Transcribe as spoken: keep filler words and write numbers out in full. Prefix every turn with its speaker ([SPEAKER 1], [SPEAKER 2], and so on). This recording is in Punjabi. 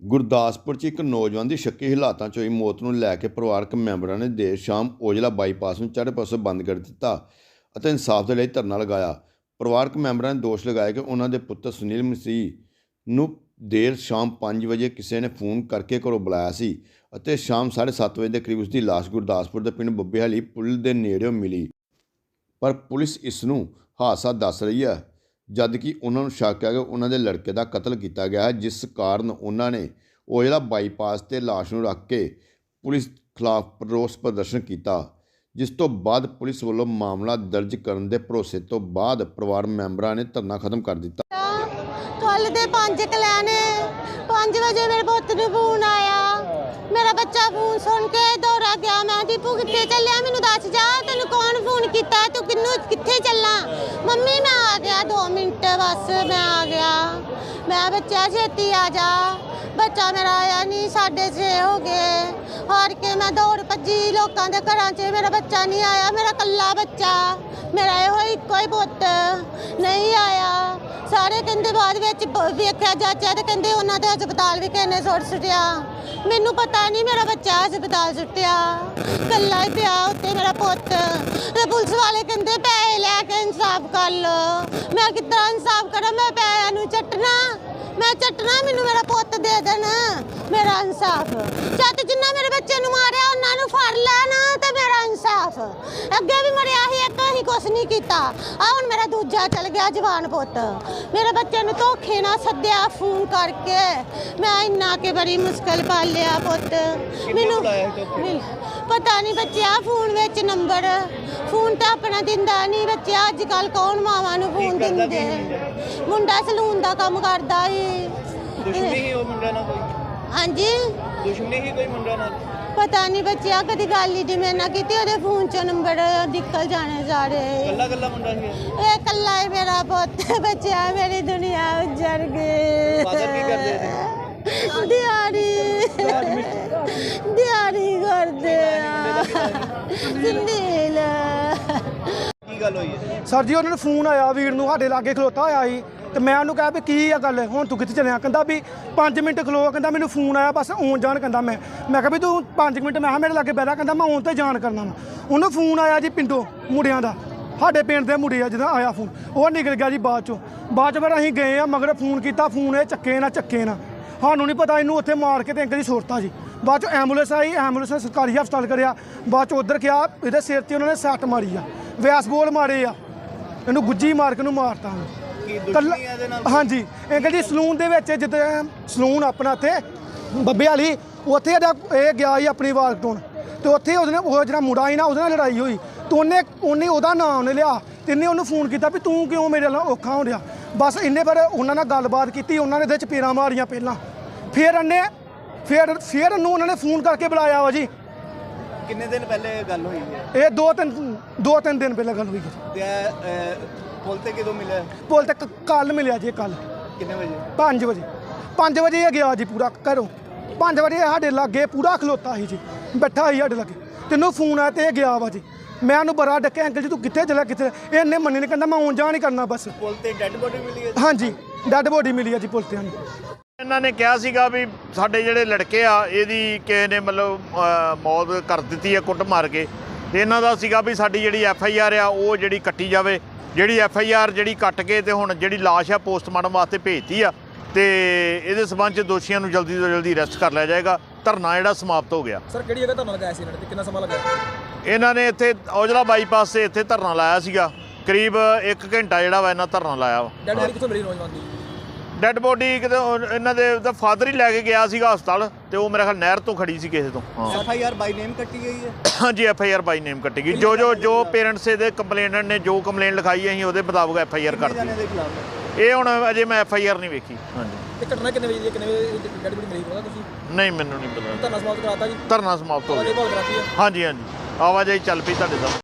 [SPEAKER 1] ਗੁਰਦਾਸਪੁਰ 'ਚ ਇੱਕ ਨੌਜਵਾਨ ਦੀ ਸ਼ੱਕੀ ਹਾਲਾਤਾਂ 'ਚ ਹੋਈ ਮੌਤ ਨੂੰ ਲੈ ਕੇ ਪਰਿਵਾਰਕ ਮੈਂਬਰਾਂ ਨੇ ਦੇਰ ਸ਼ਾਮ ਔਜਲਾ ਬਾਈਪਾਸ ਨੂੰ ਚਾਰੇ ਪਾਸੋਂ ਬੰਦ ਕਰ ਦਿੱਤਾ ਅਤੇ ਇਨਸਾਫ ਦੇ ਲਈ ਧਰਨਾ ਲਗਾਇਆ। ਪਰਿਵਾਰਕ ਮੈਂਬਰਾਂ ਨੇ ਦੋਸ਼ ਲਗਾਇਆ ਕਿ ਉਹਨਾਂ ਦੇ ਪੁੱਤਰ ਸੁਨੀਲ ਮਸੀਹ ਨੂੰ ਦੇਰ ਸ਼ਾਮ ਪੰਜ ਵਜੇ ਕਿਸੇ ਨੇ ਫੋਨ ਕਰਕੇ ਘਰੋਂ ਬੁਲਾਇਆ ਸੀ ਅਤੇ ਸ਼ਾਮ ਸਾਢੇ ਸੱਤ ਵਜੇ ਦੇ ਕਰੀਬ ਉਸ ਦੀ ਲਾਸ਼ ਗੁਰਦਾਸਪੁਰ ਦੇ ਪਿੰਡ ਬੱਬੇਹਾਲੀ ਪੁਲ ਦੇ ਨੇੜਿਓਂ ਮਿਲੀ। ਪਰ ਪੁਲਿਸ ਇਸ ਨੂੰ ਹਾਦਸਾ ਦੱਸ ਰਹੀ ਹੈ, ਜਦ ਕਿ ਉਹਨਾਂ ਨੂੰ ਸ਼ੱਕ ਹੈ ਕਿ ਉਹਨਾਂ ਦੇ ਲੜਕੇ ਦਾ ਕਤਲ ਕੀਤਾ ਗਿਆ ਹੈ, ਜਿਸ ਕਾਰਨ ਉਹਨਾਂ ਨੇ ਔਜਲਾ ਬਾਈਪਾਸ 'ਤੇ ਲਾਸ਼ ਨੂੰ ਰੱਖ ਕੇ ਪੁਲਿਸ ਖਿਲਾਫ ਰੋਸ ਪ੍ਰਦਰਸ਼ਨ ਕੀਤਾ, ਜਿਸ ਤੋਂ ਬਾਅਦ ਪੁਲਿਸ ਵੱਲੋਂ ਮਾਮਲਾ ਦਰਜ ਕਰਨ ਦੇ ਭਰੋਸੇ ਤੋਂ ਬਾਅਦ ਪਰਿਵਾਰ ਮੈਂਬਰਾਂ ਨੇ ਧਰਨਾ ਖਤਮ ਕਰ ਦਿੱਤਾ।
[SPEAKER 2] ਕੱਲ ਦੇ ਪੰਜ ਕਲਿਆਣੇ ਪੰਜ ਵਜੇ ਮੇਰੇ ਪੁੱਤ ਨੂੰ ਫੋਨ ਆਇਆ। ਮੇਰਾ ਬੱਚਾ ਫੋਨ ਸੁਣ ਕੇ ਦੌੜਾ ਗਿਆ। ਮੈਂ ਦੀਪੂ ਕਿੱਥੇ ਚੱਲਿਆ, ਮੈਨੂੰ ਦੱਸ ਜਾ, ਤੈਨੂੰ ਕੌਣ ਫੋਨ ਕੀਤਾ, ਤੂੰ ਕਿੰਨੂੰ ਕਿੱਥੇ ਚੱਲਾਂ? ਮੰਮੀ ਮੈਂ ਆ ਗਿਆ, ਦੋ ਮਿੰਟ ਬਸ ਮੈਂ ਆ ਗਿਆ। ਮੈਂ ਬੱਚਾ ਛੇਤੀ ਆ ਜਾ। ਬੱਚਾ ਮੇਰਾ ਆਇਆ ਨਹੀਂ, ਸਾਢੇ ਛੇ ਹੋ ਗਏ। ਹਾਰ ਕੇ ਮੈਂ ਦੌੜ ਭੱਜੀ ਲੋਕਾਂ ਦੇ ਘਰਾਂ 'ਚ, ਮੇਰਾ ਬੱਚਾ ਨਹੀਂ ਆਇਆ। ਮੇਰਾ ਕੱਲਾ ਬੱਚਾ, ਮੇਰਾ ਇਹੋ ਇੱਕੋ ਹੀ ਪੁੱਤ ਨਹੀਂ ਆਇਆ। ਸਾਰੇ ਕਹਿੰਦੇ ਬਾਅਦ ਵਿੱਚ ਵੇਖਿਆ ਜਾਚਿਆ ਤੇ ਕਹਿੰਦੇ ਉਹਨਾਂ ਦੇ ਹਸਪਤਾਲ ਵੀ ਕਿਸੇ ਨੇ ਸੁੱਟ ਸੁੱਟਿਆ। ਮੈਨੂੰ ਪਤਾ ਨਹੀਂ ਮੇਰਾ ਬੱਚਾ ਹਸਪਤਾਲ ਸੁੱਟਿਆ, ਕੱਲਾ ਹੀ ਪਿਆ ਉੱਤੇ ਮੇਰਾ ਪੁੱਤ। ਤੇ ਪੁਲਿਸ ਵਾਲੇ ਕਹਿੰਦੇ ਪੈਸੇ ਲੈ ਕੇ ਇਨਸਾਫ ਕਰ ਲੋ। ਮੈਂ ਕਿੱਦਾਂ ਇਨਸਾਫ ਕਰਾਂ? ਮੈਂ ਪੈਸਿਆਂ ਨੂੰ ਚੱਟਣਾ ਮੈਂ ਚੱਟਣਾ ਮੈਨੂੰ ਮੇਰਾ ਪੁੱਤ ਦੇ ਦੇਣ, ਮੇਰਾ ਇਨਸਾਫ। ਜਦ ਜਿੰਨਾ ਮੇਰੇ ਬੱਚੇ ਨੂੰ ਮਾਰਿਆ ਉਹਨਾਂ ਨੂੰ ਫੜ ਲੈਣ ਤੇ ਮੇਰਾ ਇਨਸਾਫ। ਅੱਗੇ ਵੀ ਮਰਿਆ ਸੀ ਇੱਕ, ਅਸੀਂ ਕੁਛ ਨਹੀਂ ਕੀਤਾ। ਆ ਹੁਣ ਮੇਰਾ ਦੂਜਾ ਚਲ ਗਿਆ ਜਵਾਨ ਪੁੱਤ। ਮੇਰੇ ਬੱਚੇ ਨੂੰ ਧੋਖੇ ਨਾਲ ਸੱਦਿਆ ਫੋਨ ਕਰਕੇ। ਮੈਂ ਇੰਨਾ ਕਿ ਬੜੀ ਮੁਸ਼ਕਲ ਪਾਲਿਆ ਪੁੱਤ। ਮੈਨੂੰ ਪਤਾ ਨਹੀਂ ਬੱਚਿਆ ਫੋਨ ਵਿੱਚ ਨੰਬਰ, ਫੋਨ ਤਾਂ ਆਪਣਾ ਦਿੰਦਾ ਨਹੀਂ ਬੱਚਿਆ। ਅੱਜ ਕੱਲ੍ਹ ਕੌਣ ਮਾਵਾਂ ਨੂੰ ਫੋਨ ਦਿੰਦੇ? ਮੁੰਡਾ ਸਲੂਨ ਦਾ ਕੰਮ ਕਰਦਾ ਸੀ।
[SPEAKER 3] ਦੁਸ਼ਮਣੀ ਹੀ ਉਹ ਮੁੰਡਾ ਨਾਲ ਕੋਈ?
[SPEAKER 2] ਹਾਂਜੀ,
[SPEAKER 3] ਦੁਸ਼ਮਣੀ ਹੀ ਕੋਈ ਮੁੰਡਾ ਨਾਲ?
[SPEAKER 2] ਪਤਾ ਨਹੀਂ ਬੱਚਿਆ, ਕਦੀ ਗੱਲ ਹੀ ਜਿਵੇਂ ਨਾ ਕੀਤੀ। ਉਹਦੇ ਫੋਨ 'ਚੋਂ ਨੰਬਰ ਨਿਕਲ ਜਾਣੇ ਸਾਰੇ।
[SPEAKER 3] ਕੱਲਾ ਕੱਲਾ ਮੁੰਡਾ ਸੀ
[SPEAKER 2] ਇਹ ਕੱਲਾ ਹੀ ਮੇਰਾ ਪੁੱਤ। ਬੱਚਿਆ ਮੇਰੀ ਦੁਨੀਆ ਉੱਜੜ ਗਈ।
[SPEAKER 3] ਫਾਦਰ ਕੀ ਕਰਦੇ ਸੀ?
[SPEAKER 2] ਦਿਹਾੜੀ ਦਿਹਾੜੀ ਕਰਦੇ ਆ। ਸੁਨੀਲ
[SPEAKER 3] ਕੀ ਗੱਲ ਹੋਈ ਹੈ
[SPEAKER 4] ਸਰ ਜੀ? ਉਹਨਾਂ ਨੂੰ ਫੋਨ ਆਇਆ, ਵੀਰ ਨੂੰ ਸਾਡੇ ਲਾਗੇ ਖਲੋਤਾ ਹੋਇਆ ਸੀ ਤੇ ਮੈਂ ਉਹਨੂੰ ਕਿਹਾ ਵੀ ਕੀ ਆ ਗੱਲ, ਹੁਣ ਤੂੰ ਕਿੱਥੇ ਚੱਲਿਆ? ਕਹਿੰਦਾ ਵੀ ਪੰਜ ਮਿੰਟ ਖਲੋ। ਕਹਿੰਦਾ ਮੈਨੂੰ ਫੋਨ ਆਇਆ, ਬਸ ਆਉਣ ਜਾਣ। ਕਹਿੰਦਾ ਮੈਂ ਮੈਂ ਕਿਹਾ ਵੀ ਤੂੰ ਪੰਜ ਮਿੰਟ, ਮੈਂ ਕਿਹਾ ਮੇਰੇ ਲਾਗੇ ਬਹਿ। ਕਹਿੰਦਾ ਮੈਂ ਆਉਣ 'ਤੇ ਜਾਣ ਕਰਨਾ ਵਾ। ਉਹਨੂੰ ਫੋਨ ਆਇਆ ਜੀ ਪਿੰਡੋਂ ਮੁੰਡਿਆਂ ਦਾ, ਸਾਡੇ ਪਿੰਡ ਦੇ ਮੁੰਡੇ ਆ ਜਿਹਦਾ ਆਇਆ ਫੋਨ, ਉਹ ਨਿਕਲ ਗਿਆ ਜੀ ਬਾਅਦ 'ਚੋਂ। ਬਾਅਦ 'ਚ ਫਿਰ ਅਸੀਂ ਗਏ ਆ ਮਗਰ ਫੋਨ ਕੀਤਾ, ਫੋਨ ਇਹ ਚੱਕੇ ਨਾ ਚੱਕੇ ਨਾ, ਸਾਨੂੰ ਨਹੀਂ ਪਤਾ। ਇਹਨੂੰ ਉੱਥੇ ਮਾਰ ਕੇ ਤੇ ਅੰਕਲ ਦੀ ਸੁਰਤਾ ਜੀ। ਬਾਅਦ 'ਚ ਐਂਬੂਲੈਂਸ ਆਈ, ਐਂਬੂਲੈਂਸ ਨੇ ਸਰਕਾਰੀ ਹਸਪਤਾਲ ਕਰਿਆ। ਬਾਅਦ 'ਚ ਉੱਧਰ ਗਿਆ, ਇਹਦੇ ਸਿਰ 'ਤੇ ਉਹਨਾਂ ਨੇ ਸੱਟ ਮਾਰੀ ਆ, ਵਿਆਸ ਬੋਲ ਮਾਰੇ ਆ, ਇਹਨੂੰ ਗੁੱਜੀ ਮਾਰ ਕੇ ਨੂੰ ਮਾਰਤਾ। ਹਾਂਜੀ, ਅੰਕਲ ਜੀ ਸਲੂਨ ਦੇ ਵਿੱਚ, ਜਿੱਦਾਂ ਸਲੂਨ ਆਪਣਾ ਇੱਥੇ ਬੱਬੇਹਾਲੀ, ਉੱਥੇ ਇਹਦਾ ਇਹ ਗਿਆ ਸੀ ਆਪਣੀ ਵਾਲ ਕਟਾਉਣ ਅਤੇ ਉੱਥੇ ਉਹਦੇ ਨਾਲ ਉਹ ਜਿਹੜਾ ਮੁੰਡਾ ਸੀ ਨਾ, ਉਹਦੇ ਨਾਲ ਲੜਾਈ ਹੋਈ ਅਤੇ ਉਹਨੇ ਉਹਨੇ ਉਹਦਾ ਨਾਂ ਉਹਨੇ ਲਿਆ ਅਤੇ ਇਹਨੇ ਉਹਨੂੰ ਫੋਨ ਕੀਤਾ ਵੀ ਤੂੰ ਕਿਉਂ ਮੇਰੇ ਨਾਲ ਔਖਾ ਹੋ ਰਿਹਾ। ਬਸ ਇੰਨੇ ਪਰ ਉਹਨਾਂ ਨਾਲ ਗੱਲਬਾਤ ਕੀਤੀ, ਉਹਨਾਂ ਨੇ ਇਹਦੇ ਚਪੇੜਾਂ ਮਾਰੀਆਂ ਪਹਿਲਾਂ, ਫਿਰ ਇਹਨੇ ਫਿਰ ਫਿਰ ਇਹਨੂੰ ਉਹਨਾਂ ਨੇ ਫੋਨ ਕਰਕੇ ਬੁਲਾਇਆ ਵਾ ਜੀ।
[SPEAKER 3] ਕਿੰਨੇ ਦਿਨ ਪਹਿਲੇ ਗੱਲ ਹੋਈ ਹੈ
[SPEAKER 4] ਇਹ? ਦੋ ਤਿੰਨ ਦੋ ਤਿੰਨ ਦਿਨ ਪਹਿਲਾਂ ਗੱਲ ਹੋਈ
[SPEAKER 3] ਤੇ ਪੁੱਲ ਤੇ ਕਿਦੋਂ ਮਿਲਿਆ?
[SPEAKER 4] ਪੁੱਲ ਤੇ ਕੱਲ੍ਹ ਮਿਲਿਆ ਜੀ। ਕੱਲ੍ਹ
[SPEAKER 3] ਕਿੰਨੇ ਵਜੇ?
[SPEAKER 4] ਪੰਜ ਵਜੇ ਪੰਜ ਵਜੇ ਇਹ ਗਿਆ ਜੀ ਪੂਰਾ ਘਰੋਂ। ਪੰਜ ਵਜੇ ਸਾਡੇ ਲਾਗੇ ਪੂਰਾ ਖਲੋਤਾ ਸੀ ਜੀ, ਬੈਠਾ ਸੀ ਸਾਡੇ ਲਾਗੇ। ਤੈਨੂੰ ਫੋਨ ਆਇਆ ਤੇ ਇਹ ਗਿਆ ਵਾ ਜੀ। ਮੈਂ ਉਹਨੂੰ ਬੜਾ ਡੱਕਿਆ, ਅੰਕਲ ਜੀ ਤੂੰ ਕਿੱਥੇ ਚਲਾ ਕਿੱਥੇ? ਇਹਨੇ ਮੰਨੀ ਨਹੀਂ, ਕਹਿੰਦਾ ਮੈਂ ਆਉਣ ਜਾਣ ਹੀ ਕਰਨਾ ਬਸ।
[SPEAKER 3] ਪੁੱਲ ਤੇ ਡੈੱਡ ਬੋਡੀ ਮਿਲੀ ਹੈ?
[SPEAKER 4] ਹਾਂਜੀ, ਡੈੱਡ ਬੋਡੀ ਮਿਲੀ ਹੈ ਜੀ ਪੁੱਲ ਤੇ।
[SPEAKER 5] ਇਹਨਾਂ ਨੇ ਕਿਹਾ ਸੀਗਾ ਵੀ ਸਾਡੇ ਜਿਹੜੇ ਲੜਕੇ ਆ ਇਹਦੀ ਕਿਸੇ ਨੇ ਮਤਲਬ ਮੌਤ ਕਰ ਦਿੱਤੀ ਹੈ ਕੁੱਟ ਮਾਰ ਕੇ, ਤੇ ਇਹਨਾਂ ਦਾ ਸੀਗਾ ਵੀ ਸਾਡੀ ਜਿਹੜੀ ਐਫ ਆਈ ਆਰ ਆ ਉਹ ਜਿਹੜੀ ਕੱਟੀ ਜਾਵੇ। ਜਿਹੜੀ ਐਫ ਆਈ ਆਰ ਜਿਹੜੀ ਕੱਟ ਕੇ ਤੇ ਹੁਣ ਜਿਹੜੀ ਲਾਸ਼ ਆ ਪੋਸਟਮਾਰਟਮ ਵਾਸਤੇ ਭੇਜਤੀ ਆ, ਤੇ ਇਹਦੇ ਸਬੰਧ 'ਚ ਦੋਸ਼ੀਆਂ ਨੂੰ ਜਲਦੀ ਤੋਂ ਜਲਦੀ ਅਰੈਸਟ ਕਰ ਲਿਆ ਜਾਏਗਾ। ਧਰਨਾ ਜਿਹੜਾ ਸਮਾਪਤ ਹੋ ਗਿਆ।
[SPEAKER 3] ਸਰ ਕਿਹੜੀ ਜਗ੍ਹਾ ਧਰਨਾ ਲਗਾਇਆ ਸੀ ਇਹਨਾਂ ਨੇ, ਕਿੰਨਾ ਸਮਾਂ ਲੱਗਾ?
[SPEAKER 5] ਇਹਨਾਂ ਨੇ ਇੱਥੇ ਔਜਲਾ ਬਾਈਪਾਸ 'ਤੇ ਇੱਥੇ ਧਰਨਾ ਲਾਇਆ ਸੀਗਾ, ਕਰੀਬ ਇੱਕ ਘੰਟਾ ਜਿਹੜਾ ਵਾ ਇਹਨਾਂ ਧਰਨਾ ਲਾਇਆ ਵਾ।
[SPEAKER 3] ਡੈਡ ਬੋਡੀ ਕਿੱਥੋਂ ਮਿਲੀ ਨੌਜਵਾਨ ਦੀ?
[SPEAKER 5] ਡੈੱਡ ਬੋਡੀ ਕਿਤੇ ਇਹਨਾਂ ਦੇ ਦਾ ਫਾਦਰ ਹੀ ਲੈ ਕੇ ਗਿਆ ਸੀਗਾ ਹਸਪਤਾਲ, ਤੇ ਉਹ ਮੇਰੇ ਖਿਆਲ ਨਹਿਰ ਤੋਂ ਖੜੀ ਸੀ ਕਿਸੇ ਤੋਂ। ਹਾਂ,
[SPEAKER 3] ਐਫ ਆਈ ਆਰ ਬਾਈ ਨੇਮ ਕੱਟੀ ਗਈ ਹੈ?
[SPEAKER 5] ਹਾਂਜੀ, ਐਫ ਆਈ ਆਰ ਬਾਈ ਨੇਮ ਕੱਟੀ ਗਈ। ਜੋ ਜੋ ਜੋ ਪੇਰੈਂਟਸ ਦੇ ਕੰਪਲੇਨਟ ਨੇ ਜੋ ਕੰਪਲੇਂਟ ਲਿਖਾਈ ਅਸੀਂ ਉਹਦੇ ਮੁਤਾਬਕ ਐਫ ਆਈ ਆਰ ਕਰਤੀ। ਇਹ ਹੁਣ ਅਜੇ ਮੈਂ ਐਫ ਆਈ ਆਰ ਨਹੀਂ ਵੇਖੀ। ਹਾਂਜੀ,
[SPEAKER 3] ਇਹ ਘਟਨਾ ਕਿੰਨੇ ਵਜੇ ਕਿੰਨੇ ਵਜੇ ਡੈਡ ਬੋਡੀ ਮਿਲੀ ਪਤਾ ਤੁਸੀਂ?
[SPEAKER 5] ਨਹੀਂ, ਮੈਨੂੰ ਨਹੀਂ ਪਤਾ।
[SPEAKER 3] ਧਰਨਾ ਸਮਾਪਤ ਕਰਾਤਾ ਜੀ?
[SPEAKER 5] ਧਰਨਾ ਸਮਾਪਤ ਹੋ ਗਿਆ।
[SPEAKER 3] ਆਵਾਜਾਈ ਭਾਲ ਕਰਾਤੀ ਹੈ?
[SPEAKER 5] ਹਾਂਜੀ ਹਾਂਜੀ, ਆਵਾਜਾਈ ਚੱਲ ਪਈ ਤੁਹਾਡੇ ਸਾਹਮਣੇ।